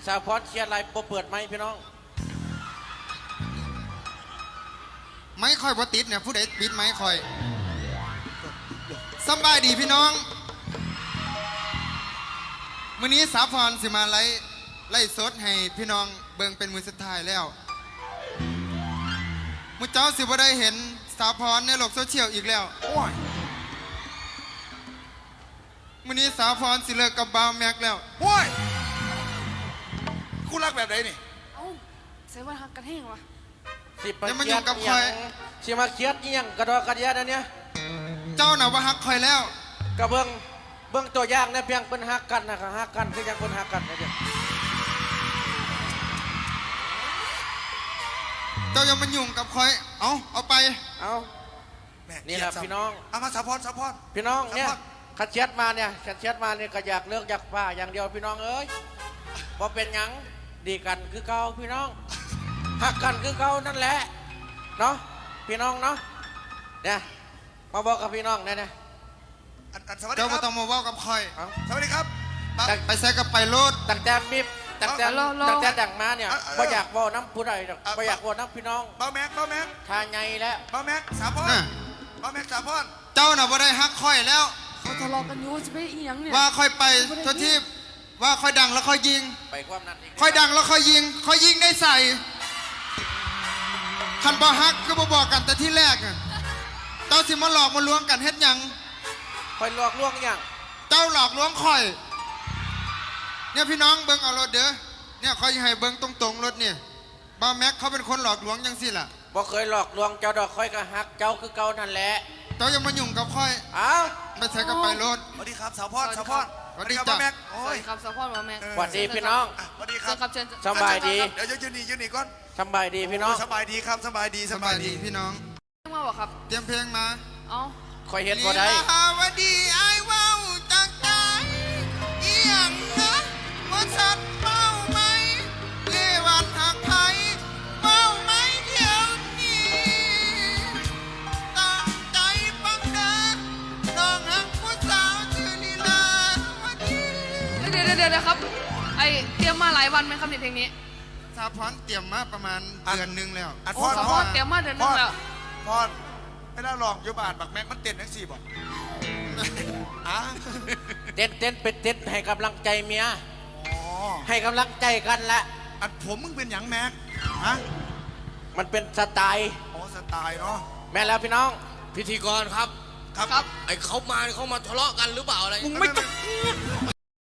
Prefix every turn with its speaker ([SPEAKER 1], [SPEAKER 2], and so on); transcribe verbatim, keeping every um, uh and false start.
[SPEAKER 1] สาวพรเชียร์ไรโปเปิดไหมพี่น้อง
[SPEAKER 2] ไม่ค่อยบ่ติดเนี่ยผู้ใดปิดไม่ค่อยสบายดีพี่น้องมื้อนี้สาวพรสิมาไล่ไล่สดให้พี่น้องเบิ่งเป็นมือสุดท้ายแล้วมื้อเจ้าสิบ่ได้เห็นสาวพรในโลกโซเชียลอีกแล้วโอ้ยมื้อนี้สาวพรสิเลิกกับบาวแม็กแล้ว
[SPEAKER 3] โอ้ยคู่รักแบบไหนนี่
[SPEAKER 4] เอ้าใส่ว่าหักกันแห้งวะ
[SPEAKER 1] สิมาเคียดยังสิมาเคียดยังกระดอกกระเดียดอันเนี้ย
[SPEAKER 2] เจ้าน่ะว่าฮักคอยแล้ว
[SPEAKER 1] กระเบื้องเบื้องตัวอย่างเนี่ยเพียงเป็นฮักกันนะครับฮักกันคือยังเป็นฮักกันนะเดียว
[SPEAKER 2] เจ้ายังมายุ่งกับคอยเอาเอาไป
[SPEAKER 1] เอานี่แหละพี่น้อง
[SPEAKER 3] เอามาสาวพรสาวพร
[SPEAKER 1] พี่น้องเนี่ยขัดเชียดมาเนี่ยขัดเชียดมาเนี่ยก็อยากเลิกอยากป้าอย่างเดียวพี่น้องเอ้ยพอเป็นยังดีกันคือเก่าพี่น้องฮักกันคือเก่านั่นแหละเนาะพี่น้องเนาะเนี่ยมาบอกกับพี่น้องเนี่ยเนี่ย
[SPEAKER 2] เจ้าไม่ต้องมาว่ากับคอย
[SPEAKER 3] สวัสดีครับ
[SPEAKER 2] ไปใส่กับไปโลด
[SPEAKER 1] ตั้งแต่มิบตั้งแต่ตั้งแต่ดังมาเนี่ยไม่อยากว่าน้ำผู้ใดหรอกไม่อยากว่าน้ำพี่น้อง
[SPEAKER 3] บ้าแม็กบ้าแม็ก
[SPEAKER 1] ทาไงแล้ว
[SPEAKER 3] บ้าแม็กสาวพรบ้าแม็กสาวพร
[SPEAKER 2] เจ้าน่ะบ่ได้ฮักคอยแล้ว
[SPEAKER 4] เขาทะเลาะกันอยู่จะไปอีหยังเนี่ย
[SPEAKER 2] ว่าคอยไปทุกที่ว่าคอยดังแล้วคอยยิง
[SPEAKER 1] ไปความนั้น
[SPEAKER 2] คอยดังแล้วคอยยิงคอยยิงได้ใส่คันบ่ฮักก็บ่บอกกันแต่ที่แรกเจ้าสิมาหลอกมาลวงกันเฮ็ดยัง
[SPEAKER 1] คอยหลอกลวงอย่าง
[SPEAKER 2] เจ้าหลอกลวงคอยเนี่ยพี่น้องเบิ้งเอารถเด้อเนี่ยคอยให้เบิ้งตรงๆรถเนี่ยบ้าแม็กเขาเป็นคนหลอกลวงยังสิล่ะ
[SPEAKER 1] บ่เคยหลอกลวงเจ้าดอกคอยก็ฮักเจ้าคือเก่านั่นแหละ
[SPEAKER 2] เจ้าอย่ามายุ่งกับคอย
[SPEAKER 1] อ้าว
[SPEAKER 2] ไม่ใช่กับไปรถ
[SPEAKER 3] สวัสดีครับสาวพรสาวพร
[SPEAKER 2] สวัสดีจ้ะ
[SPEAKER 3] แม็ก
[SPEAKER 4] สวัสดีครับสาวพรมาแม็ก
[SPEAKER 1] สวัสดีพี่น้อง
[SPEAKER 3] สวัสดีครับ
[SPEAKER 1] สบายดี
[SPEAKER 3] เดี๋ยวยืนนี่ยืนนี่ก่อน
[SPEAKER 1] สบายดีพี่น้อง
[SPEAKER 3] สบายดีครับสบายดี
[SPEAKER 2] สบายดีพี่น้อง
[SPEAKER 4] เตรียมมาบอกครับ
[SPEAKER 2] เตรียมเพลงมา
[SPEAKER 4] เอ้า
[SPEAKER 1] คอยเห็นบ่ได้
[SPEAKER 2] ลีลาวดีไอ้ว้าวจากใจเอียงนะว่าสัตว์เมาไหมเลวันหักไผ่เมาไหมเดี๋ยวนี้ตั้งใจฟังเด้อน้องหักผู้สาวชื่อลีลาวดี
[SPEAKER 4] เดี๋ยวเดี๋ยวเดี๋ยวครับไอเตรียมมาหลายวันไหมครับในเพลงนี้
[SPEAKER 2] สาวพรเตรียมมาประมาณเดือนหนึ่งแล้ว
[SPEAKER 4] โอ้สาวพรเตรียมมาเดือนหนึ่งแล้ว
[SPEAKER 3] พรไม่ได้ลองยุบานบักแม็กมันเต้นทั้งสี่บอกอ่ะ
[SPEAKER 1] เต้นเต้นเป็นเต้นให้กำลังใจเมียให้กำลังใจกันละ
[SPEAKER 3] อันผมมึงเป็นหยังแม็กฮะ
[SPEAKER 1] มันเป็นสไตล์
[SPEAKER 3] อ๋อสไตล์เนาะ
[SPEAKER 1] แม่แล้วพี่น้อง
[SPEAKER 5] พิธีกรครับ
[SPEAKER 3] ครับ
[SPEAKER 5] ไอเขามาเขามาทะเลาะกันหรือเปล่าอะไร
[SPEAKER 1] มึงไม่ต้อง